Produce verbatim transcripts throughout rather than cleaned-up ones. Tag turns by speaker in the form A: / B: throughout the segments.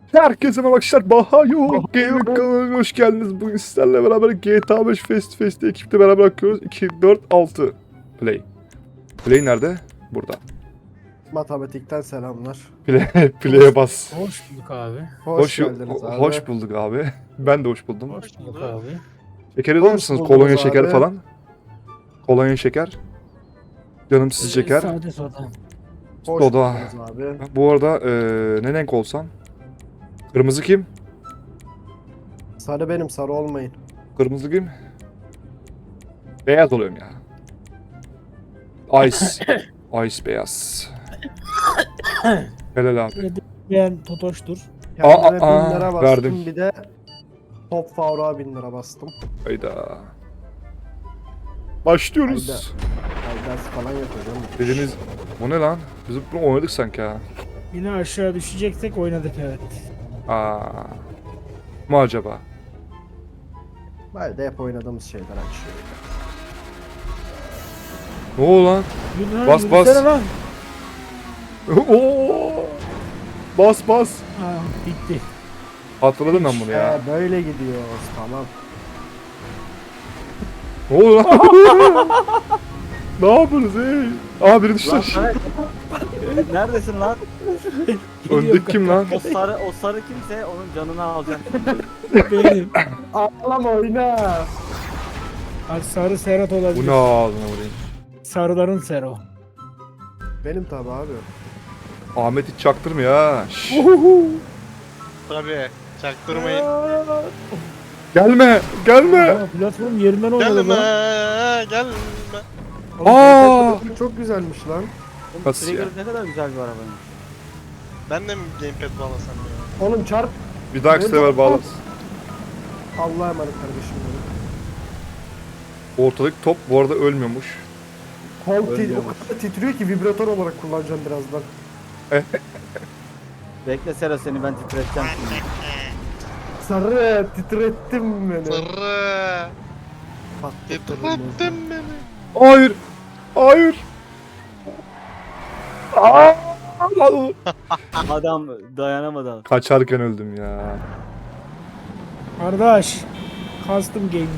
A: Herkese merhaba arkadaşlar. Bahayo Gaming kanalına hoş geldiniz. Bugün sizlerle beraber G T A beş Fest Fest'i ekiple beraber bakıyoruz. iki, dört, altı Play. Play nerede? Burada.
B: Matematikten selamlar.
A: Play, play'e bas.
C: Hoş bulduk abi.
B: Hoş,
A: Hoş,
B: geldiniz abi.
A: hoş bulduk abi. Ben de hoş buldum.
C: Hoş bulduk abi.
A: Şeker alır
B: Hoş
A: mısınız?
B: buldunuz
A: Kolonya
B: abi.
A: şeker falan. Kolonya şeker. Canım siz şeker.
C: Sade soda.
B: Hoş
A: Soda.
B: buldunuz abi.
A: Bu arada eee ne renk olsam? Kırmızı kim?
B: Sarı benim, sarı olmayın.
A: Kırmızı kim? Beyaz oluyorum ya. Ice. Ice beyaz. Helal abi.
C: Ben Totoş'tur.
B: Kendime
A: aa,
B: bin lira bastım,
A: verdim.
B: bir de Top Faruk'a bin lira bastım.
A: Hayda. Başlıyoruz.
B: Ay ders falan yapacağım.
A: Dediğiniz bu ne lan? Biz bunu oynadık sanki ha.
C: Yine aşağı düşeceksek oynadık evet.
A: Aa. Mu acaba?
B: Böyle de hep oynadığımız şeyler açıyor.
A: Ne oldu lan?
C: Yürü lan,
A: Bas,
C: yürüsene
A: bas.
C: Lan.
A: Oo! Bas bas.
C: Ha, bitti.
A: Hatırladım ben bunu ya.
B: Ee, böyle gidiyoruz, tamam.
A: Ne oldu lan? Ne yapıyorsunuz ey? Aa biri düştü
D: Lan
A: aşağı.
D: Samet, neredesin lan?
A: Öndeki kim lan?
D: O sarı o sarı kimse onun canını alacak.
C: Benim.
B: Ağlama, oyna.
C: Bak sarı Serhat olabilir.
A: Bu ne ağzına vurayım?
C: Sarıların Sero.
B: Benim tabi abi.
A: Ahmet hiç çaktırmıyor ha. Şşş.
E: Tabii. Çaktırmayın.
A: Gelme, gelme.
C: Ya, platform yerinden oynadı
E: Gelme,
C: lan.
E: gelme.
A: Aa!
B: Oğlum, çok güzelmiş lan.
D: Oğlum,
A: Nasıl
D: Trigger
A: ya?
D: ne kadar güzel bir arabanın.
E: Ben de mi gamepad bağlasam ya?
B: Oğlum çarp.
A: Bir dahaki sefer bağlarız.
B: Allah'a emanet kardeşim benim.
A: Ortadaki top bu arada ölmüyormuş.
B: Kol tit-
D: Ölüyor
B: o kadar titriyor ki vibratör olarak kullanacağım birazdan.
D: Bekle Sera seni ben titreteceğim şimdi.
B: Sarı titrettim beni.
E: Sırrı.
B: Patlattın beni.
E: Titrettin beni.
A: Hayır. Hayır. Aa!
D: Adam dayanamadı.
A: Kaçarken öldüm ya.
C: Kardeş. Custom Gaming.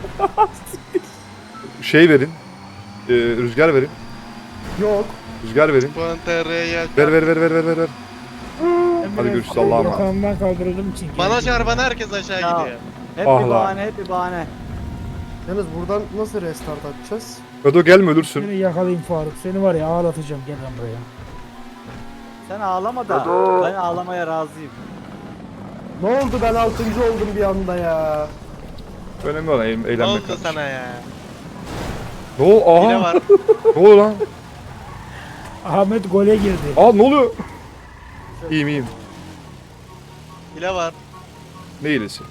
A: Şey verin. Ee, rüzgar verin.
B: Yok.
A: Rüzgar verin.
E: Puan T R'ye gel.
A: Ver ver ver ver ver ver. ver. Hadi görüşürüz, Allah'a emanet.
C: Yakamdan kaldırıldım çünkü.
E: Bana çarpan herkes aşağı
D: Ya.
E: gidiyor.
D: Hep
A: Ah
D: bir
A: lan.
D: bahane hep bir bahane.
B: Yalnız buradan nasıl restart atacağız?
A: Bedo gelme ölürsün.
C: Seni yakalayayım Faruk. Seni var ya ağlatacağım. Gel lan buraya.
D: Sen ağlama da ben ağlamaya razıyım.
B: Ne oldu, ben altıncı oldum bir anda ya.
A: Önemli olan eğ-
E: Ne
A: eğlenmek.
E: oldu
A: kardeşim.
E: sana ya?
A: Ne oldu?
E: Hile
A: Aha.
E: var.
A: Ne oldu lan?
C: Ahmet gole girdi.
A: Aa ne oluyor? İyiyim iyiyim.
E: Hile var.
A: Ne iyilesi?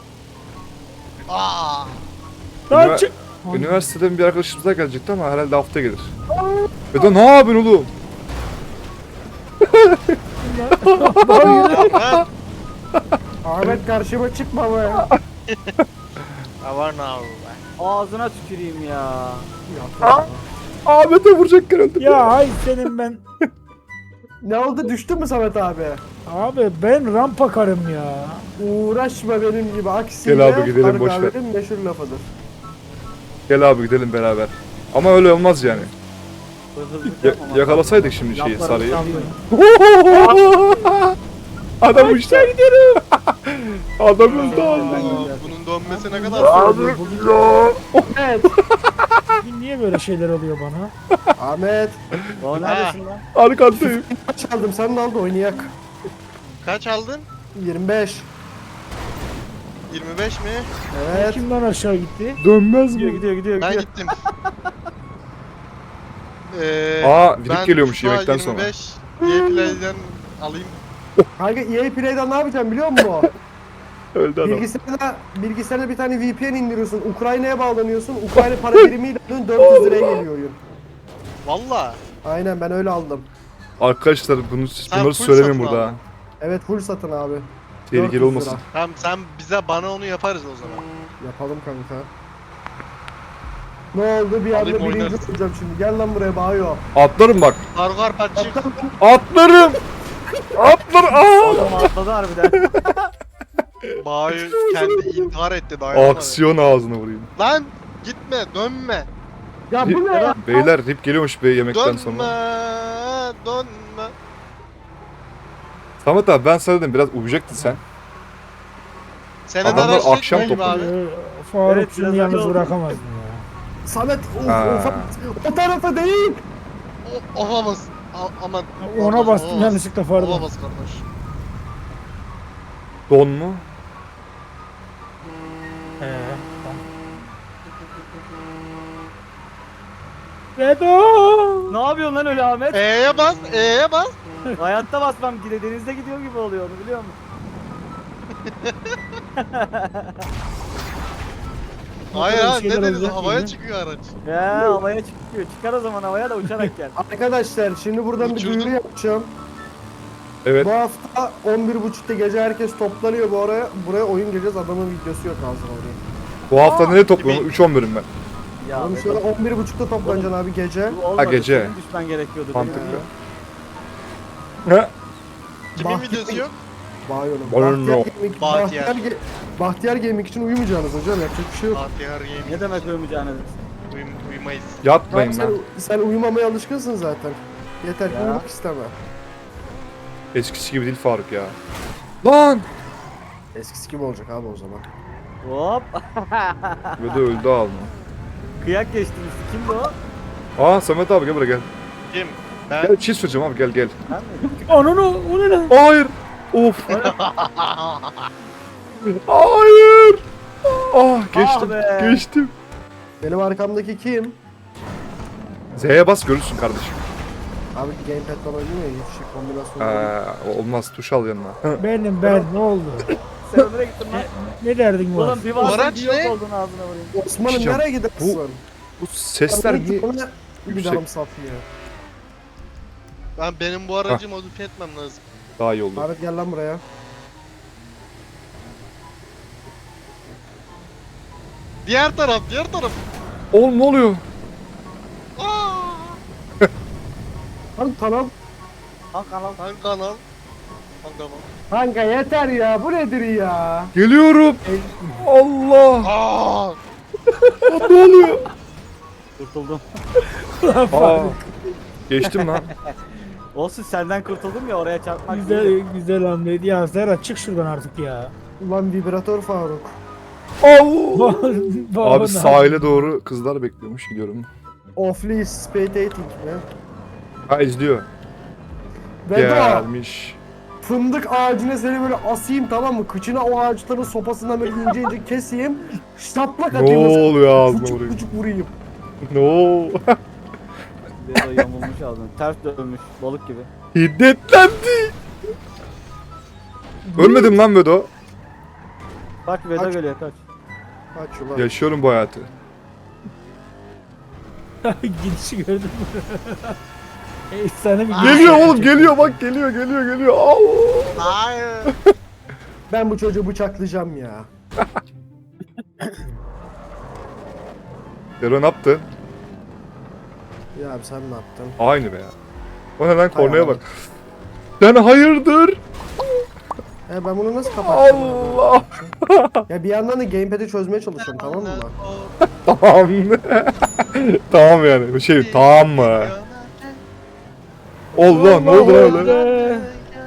E: Aa.
C: Lan
A: Ünivers-
C: çık.
A: Üniversiteden bir arkadaşımız daha gelecekti ama herhalde hafta gelir. Bedo ne yapıyorsun oğlum?
E: Yapma.
B: Ahmet karşıma çıkma be.
E: I var now.
D: Ağzına tüküreyim ya.
A: Ahmet'e vuracakken öldüm.
C: Ya ay senin ben.
B: Ne oldu, düştü mü Samet abi?
C: Abi ben rampa karım ya.
B: Uğraşma benim gibi aksiyle.
A: Gel abi, gidelim,
B: Arı
A: boş ver.
B: kahvenin meşhur lafıdır.
A: Gel abi gidelim beraber. Ama öyle olmaz yani.
D: Hızlı
A: Ya- yakalasaydık şimdi şeyi
D: Yaplarım
A: sarıyı.
D: sandım.
A: Adam uçtu. gidelim. Adam öldü
D: Ben
A: abi.
D: gidiyorum.
E: Bunun dönmesi ne kadar sürdü?
B: Evet.
C: Bugün niye böyle şeyler oluyor bana?
B: Ahmet.
D: O neredesin lan?
A: Arkandayım.
B: Kaç aldım, sen de al da oynayak.
E: Kaç aldın?
B: yirmi beş.
E: yirmi beş mi?
B: Evet.
C: Kimden aşağı gitti?
A: Dönmez
D: Gidiyor
A: mi?
D: gidiyor gidiyor.
E: Ben
D: gidiyor.
E: gittim. Ee,
A: Aa, vidip
E: ben
A: geliyormuş
E: şu an
A: yemekten sonra.
E: yirmi beş Gameplay'den alayım.
B: Kanka E A Play'den ne yapacağım biliyor musun?
A: Öldü adam.
B: Bilgisayarda, bilgisayarda bir tane V P N indiriyorsun. Ukrayna'ya bağlanıyorsun. Ukrayna para birimiyle dört yüz liraya geliyor oyun.
E: Valla.
B: Aynen, ben öyle aldım.
A: Arkadaşlar bunu
E: Sen
A: bunları
E: full
A: söylemeyin
E: satın
A: burada.
E: aldın.
A: ha.
B: Evet, full satın abi.
A: Tehlikeli
B: dört yüz
A: olmasın.
B: lira.
E: Tamam sen bize bana onu yaparız o zaman.
B: Yapalım kanka. Ne oldu, bir anda
E: Alayım,
B: birinci
E: oynarız.
B: olacağım şimdi. Gel lan buraya Bayo.
A: Atlarım bak.
E: Argar patçı.
A: Atlarım. Atlar. Aa!
D: Adam atladı harbiden.
E: Bağı kendi intihar etti dayanamadı.
A: Aksiyon ağzına vurayım.
E: Lan gitme dönme.
B: Ya bu ne ya?
A: Beyler rip geliyormuş be yemekten
E: Dönme.
A: sonra.
E: Dönme.
A: Samet abi ben sana dedim biraz uyuyacaktın sen.
E: Senin
A: Adamlar
E: araç
A: akşam
E: çekmiyor
A: topu-
E: abi.
C: Ee, Faruk
D: Evet,
C: şunu
D: biraz
C: yalnız
D: acı oldu.
C: bırakamazdın ya.
B: Samet of,
A: Ha.
B: of, o tarafa değil.
E: O- Olamaz. A- Aman.
C: Ona
E: Olamaz,
C: bastım
E: olamaz.
C: yanlışlıkla Faruk.
E: Olamaz kardeş.
A: Don mu?
C: Ee, tamam. Vedo!
D: Ne yapıyorsun lan öyle Ahmet?
E: E'ye bas. E'ye bas.
D: Hayatta basmam gide denizde gidiyor gibi oluyor onu biliyor musun?
E: Hayır
C: Bakalım
E: ha
C: şeyler
E: ne deniz
C: olacak
E: havaya
C: yine.
E: çıkıyor araç.
D: Ya havaya çıkıyor. Çıkar o zaman havaya da uçarak gel.
B: Arkadaşlar şimdi buradan bir
E: Uçurdum.
B: duyuru yapacağım.
A: Evet.
B: Bu hafta on bir buçukta gece herkes toplanıyor bu araya. Buraya oyun geleceğiz. Adamın videosu yok ağzına oraya.
A: Bu hafta
D: Aa,
A: ne topluyorum? üç on bölüm ben.
D: Ya
B: Oğlum
D: Vedat,
B: şöyle on bir buçukta toplanacaksın abi gece.
D: bu olmadı.
A: gece.
D: Senin düşmen gerekiyordu.
A: Mantıklı.
D: Benim
A: Ne?
E: Kimin
B: Bahtiyar-
E: videosu yok?
B: Bağırıyorum.
A: Bana
B: Bahtiyar,
A: no.
B: Gaming,
E: Bahtiyar.
B: Bahtiyar, Ge- Bahtiyar Gaming için uyumayacaksınız hocam. Yapacak bir şey yok.
E: Bahtiyar yemin.
D: Ne demek ölmeyeceğiniz?
E: Uyum, uyumayız.
B: Tamam,
A: Yatmayın
B: sen,
A: lan.
B: sen uyumamaya alışkınsın zaten. Yeter ki
D: Ya.
B: uyumak isteme.
A: Eskisi gibi değil Faruk ya. Lan!
B: Eskisi gibi olacak abi o zaman.
D: Hop.
A: Ve de öldü ağzına.
D: Kıyak geçtiniz. Kimdi o?
A: Aa Samet abi gel buraya gel.
E: Kim? Ben.
A: Gel bir şey söyleyeceğim abi gel gel.
D: Ben miydim?
C: Ananı o ne lan?
A: Hayır. Of. Hayır. Ah geçtim.
D: Ah be.
A: Geçtim.
B: Benim arkamdaki kim?
A: Z'ye bas görürsün kardeşim.
B: Abi gamepad'dan oynuyor ya hiç şey kombinasyon değil.
A: Aa, olmaz tuş al yanına.
C: Benim ben ne oldu?
D: Sen nereye gittin lan?
C: Ne derdin var?
D: Oğlum bir varsın
E: Araç
D: bir yok
E: ne?
D: oldun ağzına vurayım.
B: Osman'ım
A: Hocam,
B: nereye gidersin?
A: Bu sesler niye?
B: Bana bir
A: yüksek?
B: darım saplıyor.
E: Ben benim bu aracı modifiye etmem lazım.
A: Daha iyi oldu.
B: Ahmet gel lan buraya.
E: Diğer taraf, diğer taraf.
A: Oğlum ne oluyor?
E: Aa!
B: Lan tamam.
D: Hangi kanal?
E: Hangi kanal? Hangi kanal?
B: Kanka yeter ya bu nedir ya?
A: Geliyorum. Allah.
E: Aa!
A: Ne oluyor?
D: Kurtuldum.
A: Aa. Geçtim lan.
D: Olsun senden kurtuldum ya oraya çarpmak
C: Güzel
D: değil.
C: güzel hamleydi ya. Serhat çık şuradan artık ya.
B: Ulan vibratör Faruk.
A: Allah.
C: Baba,
A: Abi
C: ne
A: sahile doğru kızlar bekliyormuş gidiyorum.
B: Offly spectating mi?
A: Ha izliyor.
B: Vedo
A: Gelmiş.
B: fındık ağacına seni böyle asayım tamam mı? Kıçına o ağaçların sopasından böyle ince ince keseyim. Şaplak
A: Ne
B: atayım.
A: oluyor ağzına
B: Küçük
A: vurayım?
B: küçük vurayım.
A: Ne ol?
D: Vedo yamulmuş ağzını. Ters dönmüş balık gibi.
A: Hiddetlendi. Ölmedim lan Vedo.
D: Bak Vedo
B: Kaç.
D: geliyor kaç.
B: Kaç ulan.
A: Yaşıyorum bu hayatı.
C: Gidişi gördün mü? Efsane bir gidiş.
A: Geliyor oğlum geliyor bak geliyor geliyor geliyor. Allah.
E: Hayır.
B: Ben bu çocuğu bıçaklayacağım ya.
A: Dero ne yaptı?
B: Ya abi sen ne yaptın?
A: Aynı be ya. O ne lan kornaya
B: Allah.
A: bak. Sen hayırdır?
B: E ben bunu nasıl kapatacağım?
A: Allah.
B: Ya bir yandan da gamepad'i çözmeye çalışıyorum tamam mı?
A: Tamam. Tamam yani. Bu şey tamam mı? Allah ne oldu lan öyle?
C: Ee,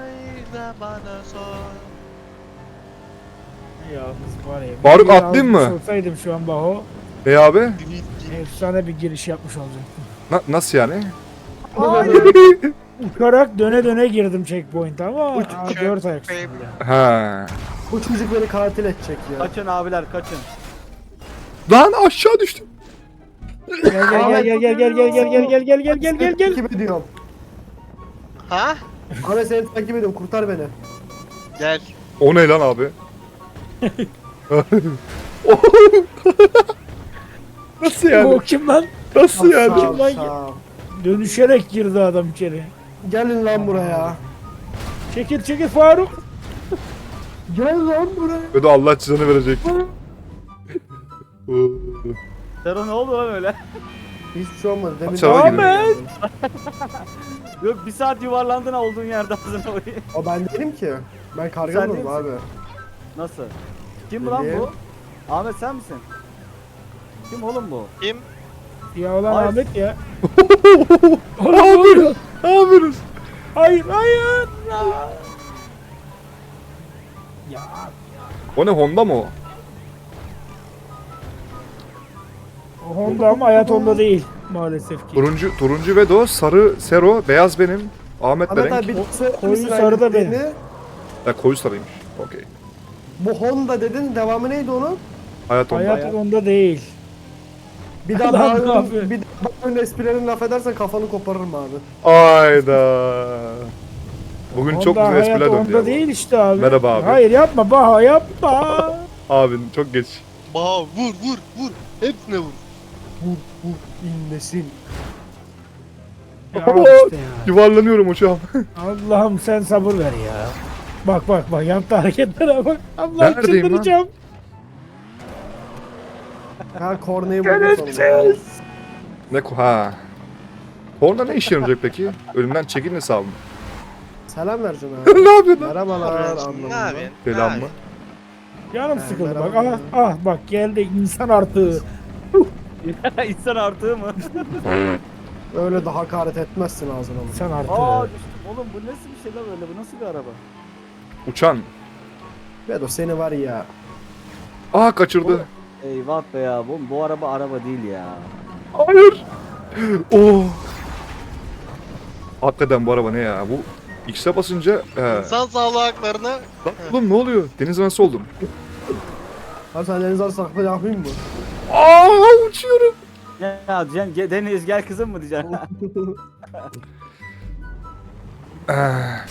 C: Yalnız var ya.
A: Faruk,
C: bir
A: atlayayım mı?
C: almış Olsaydım şu an Baho.
A: Ne abi?
C: Efsane bir giriş yapmış olacaktım.
A: Na- nasıl yani?
C: Uçarak döne döne girdim checkpoint'e ama
B: Uç-
C: aa, dört ayak üstünde.
A: Ha.
B: Bu çocuk beni katil edecek ya.
D: Kaçın abiler kaçın.
A: Lan aşağı düştüm.
C: Gel gel gel gel gel gel gel gel gel gel gel gel gel gel.
B: Takip ediyorum.
E: Ha?
B: Ahmet seni takip ediyorum kurtar beni.
E: Gel.
A: O ne lan abi? Nasıl
C: O
A: yani?
C: kim lan?
A: Nasıl
B: Sağ
A: yani?
B: ol,
C: lan?
B: sağ ol.
C: Dönüşerek girdi adam içeri.
B: Gelin lan buraya.
C: Çekil çekil Faruk.
B: Gel lan buraya.
A: Ve de Allah cezanı verecek.
D: Sero ne oldu lan öyle?
B: Hiçbir şey olmadı. Demin
A: Aç araba
B: Ahmet!
A: gidelim.
D: Yok bir saat yuvarlandın ha olduğun yerde ağzına oynayayım.
B: O ben değilim ki. Ben
D: Sen
B: karganım
D: değil
B: abi.
D: Nasıl? Kim bu lan
B: Bileyim.
D: bu? Ahmet sen misin? Kim oğlum bu?
E: Kim?
C: Ya ulan
D: Hayır.
C: Ahmet ya.
A: Ne yapıyoruz? Ne yapıyoruz?
C: Hayır hayır. Ya
A: O ne, Honda mı o?
C: o Honda ama hayat Honda değil maalesef ki.
A: Turuncu, turuncu Vedo, sarı Sero, beyaz benim. Ahmet
B: Ahmet
A: Berenk.
B: abi bir
C: Ko-
B: söyler
C: koyu
B: misin
C: sarı da
B: hangisini?
C: benim.
A: Ha, koyu sarıymış. Okey.
B: Bu Honda dedin. Devamı neydi onun?
A: Hayat Honda.
C: Hayat Honda değil.
B: Bir daha
C: Lan ne
B: bağırın,
C: yapıyor?
B: bir daha bağırın esprilerini laf edersen kafanı koparırım abi.
A: Ayda. Bugün
C: Honda
A: çok güzel
C: hayat
A: espriler döndü
C: Honda
A: ya. bu.
C: değil işte abi.
A: Merhaba abi.
C: Hayır yapma Baha yapma.
A: Abi çok geç.
E: Baha vur vur vur. Hepsine vur.
B: Vur vur inlesin.
C: Ya işte ya.
A: Yuvarlanıyorum hocam.
C: Allah'ım sen sabır ver ya. Bak bak bak yaptı hareketlere bak. Allah'ım
A: Neredeyim lan?
C: çıldıracağım.
B: Ha korneyi buldum sonunda.
C: Göreceğiz.
A: Ne ko- ha. Honda ne işe yarayacak peki? Önümden çekin hesabı mı?
B: Selam vereceksin abi.
A: Ne yapıyorsun lan?
B: Merhabalar
E: Ne
B: anlamında.
E: yapıyorsun?
A: Selam mı?
C: Canım
B: Ha,
C: sıkıldı bak.
B: merhaba.
C: Ah, ah bak geldi insan artığı.
D: İnsan artığı mı?
B: Öyle de hakaret etmezsin ağzına mı?
C: İnsan
D: Aa
C: artığı.
D: düştüm. Oğlum bu nasıl bir şey lan öyle? Bu nasıl bir araba?
A: Uçan.
B: Bedo seni var ya.
A: Aa, kaçırdı.
D: Eyvah be ya. Bu, bu araba araba değil ya.
A: Hayır. Oh. Hakikaten bu araba ne ya? Bu X'e basınca... He.
E: İnsan sağlığı haklarına
A: Lan oğlum ne oluyor? Deniz nasıl oldum?
B: Abi sen deniz arası saklı yapayım mı?
A: Aa, uçuyorum.
D: Ya diyeceksin ge- Deniz gel kızım mı diyeceksin?
A: Ah.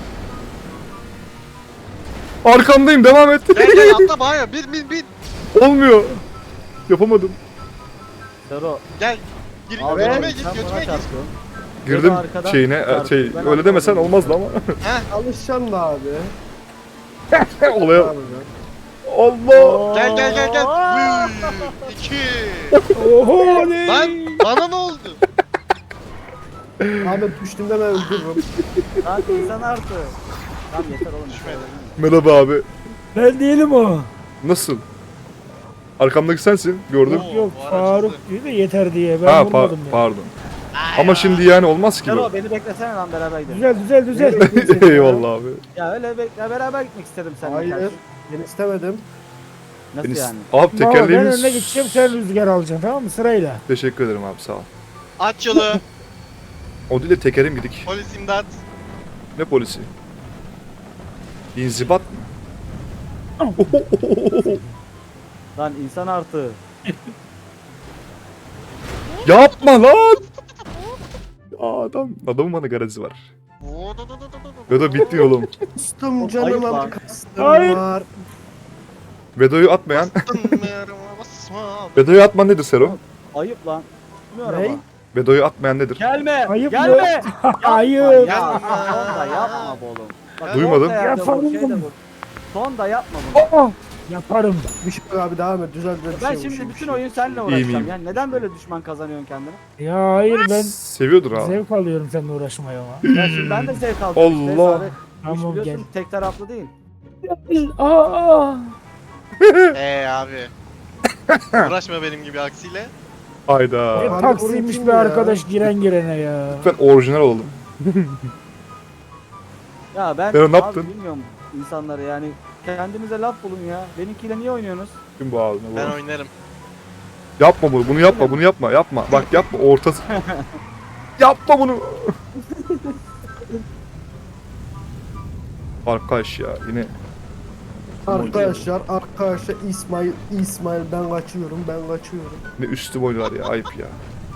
A: Arkandayım, devam et.
E: gel gel atla Baha. Bir bir bir.
A: Olmuyor. Yapamadım.
D: Sero.
E: Gel. Gir
D: Abi,
E: götüme
D: sen
E: git
D: bana
E: götüme git.
D: çarptın.
A: Girdim
D: Ya da arkadan
A: şeyine, e,
D: çarptı.
A: şey
D: Ben
A: öyle
D: arkadan
A: demesen
D: girdim.
A: olmazdı ama.
E: Heh.
B: Alışacaksın da abi.
A: Olaya.
B: Abi be.
A: Allah.
E: Gel gel gel gel. Bir, iki.
C: Oho ne?
E: Lan bana ne oldu?
B: Ahmet düştüğümde ben öldürürüm.
D: Lan insan artığı. Tamam yeter oğlum.
E: Düşmedi.
A: Merhaba abi.
C: Ben değilim o.
A: Nasıl? Arkamdaki sensin. Gördüm.
E: Oo,
C: Yok
E: bu aracı
C: Faruk
E: hızlı.
C: diyor da yeter diye. Ben
A: Ha, pa-
C: vurmadım ya.
A: pardon. Ama şimdi yani olmaz ki bu.
D: Sero beni beklesene lan beraber gidelim.
C: Düzel düzel düzel.
A: Eyvallah abi.
D: Ya öyle be- ya beraber gitmek istedim seninle.
B: Hayır.
D: kardeşim.
B: Ben istemedim.
D: Nasıl
A: Beni-
D: yani?
A: Abi
C: Baba ben
A: tekerleğimiz...
C: önüne gideceğim sen rüzgar alacaksın tamam mı sırayla.
A: Teşekkür ederim abi, sağ ol.
E: Aç yolu.
A: O değil de tekerim gidik.
E: Polis imdat.
A: Ne polisi? İnzibat mı?
D: Lan insan artığı.
A: Yapma lan! Aa, adam, adamın bana garezi var. Vedo bitti oğlum.
B: Kastım
D: Ayıp
B: canım
D: lan.
B: ama kastım
C: Hayır.
B: var.
A: Vedo'yu atmayan...
E: Basma.
A: Vedo'yu atman nedir Sero?
D: Ayıp lan. Bu ne
B: Ney?
D: araba?
A: Vedo'yu atmayan nedir?
D: Gelme.
C: Ayıp mı?
D: gelme.
C: Hayır.
D: Ya son da yapma bu oğlum. Bak,
A: Duymadım.
D: son da yerde
C: Yapalım.
D: bu, şey de bu. Son da yapma bunu.
C: Aa, yaparım.
B: Bir şey yok abi devam et. Düzel düzel bir
D: Ben
B: şey
D: şimdi
B: yok, bir
D: bütün
B: şey yok.
D: oyun seninle
A: İyiyim,
D: uğraşacağım.
A: iyiyim.
D: Yani neden böyle düşman kazanıyorsun kendine?
C: Ya hayır ben
A: Seviyordur ha.
C: zevk alıyorum seninle uğraşmaya ama.
D: Ya şimdi ben de zevk aldım işte.
A: Allah.
D: Sadece
C: Tamam,
D: iş biliyorsun
C: gel.
D: tek taraflı değil.
C: Aa,
E: Eee abi. Uğraşma benim gibi aksiyle.
A: Hayda.
C: ne
B: Abi
C: taksiymiş
B: bunu
C: bir
B: kim ya?
C: arkadaş giren girene ya.
A: Lütfen orijinal olalım.
D: Ya ben
A: Sen ne
D: abi
A: yaptın?
D: bilmiyorum insanları yani. Kendinize laf bulun ya. Benimkiyle niye oynuyorsunuz?
A: Kim bu ağzına
E: Ben
A: bu?
E: oynarım.
A: Yapma bunu, bunu yapma, bunu yapma, yapma. Bak yapma, ortası. Yapma bunu. Arkadaş ya, yine
B: Arkadaşlar, arkadaşlar İsmail, İsmail ben kaçıyorum, ben kaçıyorum.
A: ne üstüm oynuyorlar ya, ayıp ya.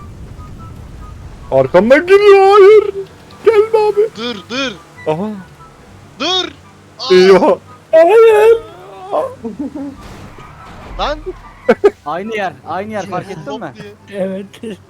A: Arkamdan geliyor, hayır. Gelme abi.
E: Dur dur.
A: Aha.
E: Dur. Aa,
A: Eyvah.
C: Hayır.
E: Lan.
D: Aynı yer. Aynı yer fark ettin mi?
E: Hop diye.
C: Evet.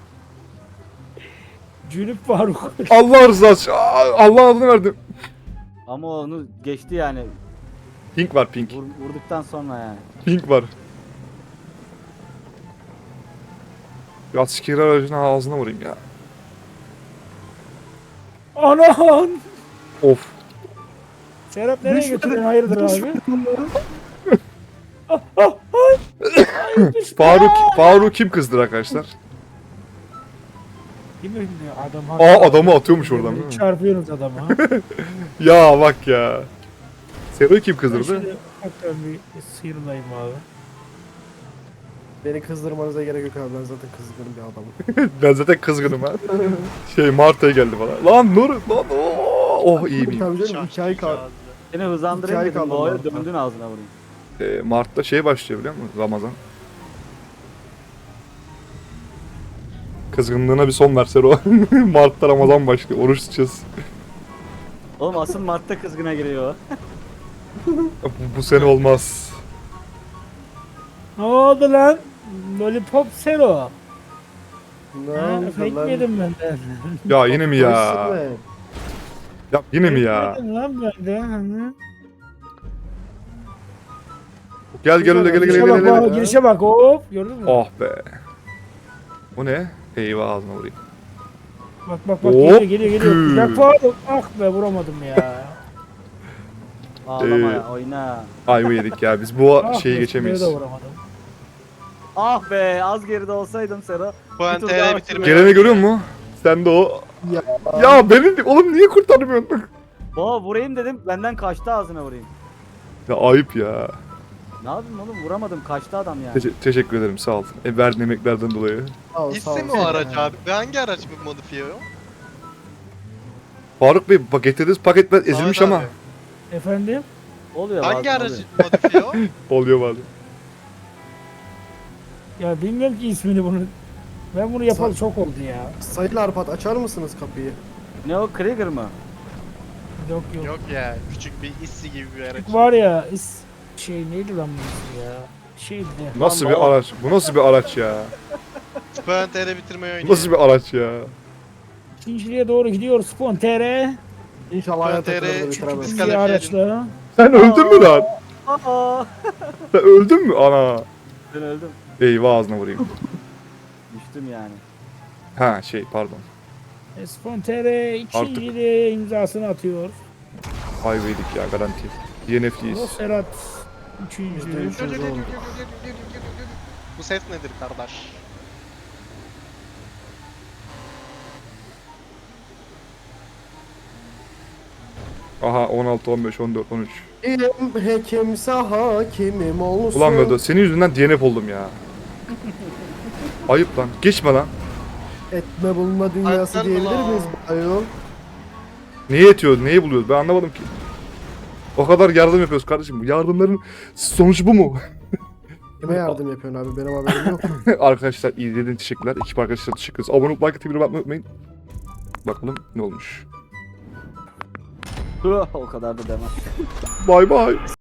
C: Cünüp Faruk.
A: Allah rızası. Aa, Allah adını verdim.
D: Ama onu geçti yani.
A: Pink var, pink.
D: Vur, vurduktan sonra yani.
A: Pink var. Ya asker aracına ağzına vurayım ya.
C: Anan!
A: Of.
C: Serap nereye
B: Düşmedi.
C: götürüyorsun? Hayırdır
B: Düşmedi.
C: abi?
A: Faruk, Faruk kim kızdır arkadaşlar?
C: Kim ünlü adam?
A: Aa adamı atıyormuş oradan değil mi?
C: Çarpıyoruz adama.
A: Ya bak ya. Sero'yu kim
C: Ben
A: kızdırdı?
C: şimdi hakikaten bir sıyrılayım abi.
B: Beni kızdırmanıza gerek yok abi. Ben zaten kızgın bir adamım.
A: Ben zaten kızgınım ha. Şey Marta'ya geldi bana. Lan Nur, lan oh, oh iyi miyim?
B: Tabii canım iki ay kaldı.
D: Seni hızlandırayım
B: Hikaye
D: dedim.
B: kaldı
D: Boğaya
B: orada.
D: döndün ağzına vurayım.
A: Ee, Mart'ta şey başlıyor biliyor musun? Ramazan. Kızgınlığına bir son ver Sero. Mart'ta Ramazan başlıyor. Oruç tutacağız.
D: Oğlum asıl Mart'ta kızgına giriyor.
A: Bu, bu sene olmaz.
C: Ne oldu lan? Lollipop Sero.
B: Ne
C: Ha,
B: oldu
C: fake
B: lan?
C: yedim benden.
A: Ya yine mi ya?
B: Nasıl be?
A: Ya yine mi ya?
C: Fake yedim lan benden.
A: Gel gel öyle gel gel
C: Girişe
A: gel
C: bak,
A: gel.
C: bak,
A: gel.
C: girişe bak hop. Gördün mü?
A: Oh be. Bu ne? Eyvah ağzına vurayım.
C: Bak bak bak
A: Hop,
C: geliyor geliyor geliyor.
A: gü.
C: Bak Faruk. Ah be vuramadım ya.
D: Ağlama
A: Ee,
D: ya oyna.
A: Ayva yedik ya. Biz bu
C: Ah
A: şeyi
C: be,
A: geçemeyiz.
C: şuraya da vuramadım.
D: Ah be az geride olsaydım Sero.
E: Bu
D: Bir tur
E: T
D: daha
E: R bitirme.
A: Geleni görüyor musun? Sen de o.
B: Ya.
A: Ya benim oğlum niye kurtarmıyorsun?
D: Boğa vurayım dedim benden kaçtı ağzına vurayım.
A: Ya ayıp ya.
D: Ne yapayım oğlum vuramadım kaçtı adam yani.
A: Teşe- teşekkür ederim sağ ol. E, verdiğin emeklerden dolayı.
B: Sağ ol, sağ ol.
E: İsim o araç abi. Ve hangi araç bu modifiye o?
A: Faruk Bey bak getirdiğiniz paketler ezilmiş
E: Ahmet
A: ama.
E: abi,
C: Efendim?
D: Oluyor
E: Hangi
D: bazen
E: araç
D: oluyor.
E: modifiye o?
A: Oluyor bazen.
C: Ya bilmiyorum ki ismini bunu. Ben bunu yapalı çok oldu ya.
B: Sayın Arpat açar mısınız kapıyı?
D: Ne o Krieger mı?
C: Yok yok.
E: Yok ya. Küçük bir issi gibi bir araç.
C: Var ya is şey neydi lan bu ismi ya? Şeydi de.
A: Nasıl
D: Lan
A: bir
D: baba.
A: araç? Bu nasıl bir araç ya?
E: Ben T R bitirmeyi
A: Bu
E: oynuyor.
A: nasıl bir araç ya?
C: İkinciliğe doğru gidiyor Spontere.
B: İnşallah hayat
E: T R
B: takılır da
E: çünkü
B: bitiremez.
E: biz-
C: İkinci araçla.
A: Sen öldün mü lan?
D: Aa.
A: Sen öldün mü? Ana.
D: Ben öldüm.
A: Eyvah ağzına vurayım.
D: Düştüm yani.
A: Ha şey pardon.
C: E, Spontere ikinciliğe imzasını atıyor.
A: Ayva yedik ya garanti. D N F'liyiz.
C: O Serhat
B: Yüzde
C: üçüncü.
B: üç. Üçüncü oldu.
E: Bu ses nedir kardeş?
A: Aha on altı, on beş, on dört, on üç.
B: Kim hekimse hakimim olsun.
A: Ulan Vedo senin yüzünden D N F oldum ya. Ayıp lan. Geçme lan.
B: Etme bulma dünyası
E: Ayaklar
B: diyebilir
E: mı
B: miyiz
E: lan?
B: ayol?
A: Neyi etiyoruz? Neyi buluyoruz? Ben anlamadım ki. O kadar yardım yapıyoruz kardeşim. Bu yardımların sonucu bu mu?
B: Kime yardım yapıyorsun abi? Benim haberim yok.
A: Arkadaşlar izlediğiniz için teşekkürler. Ekip arkadaşlar teşekkür ederiz. Abone olup like atıp bir unutmayın. Bakalım ne olmuş.
D: O kadar da demem.
A: Bay bay.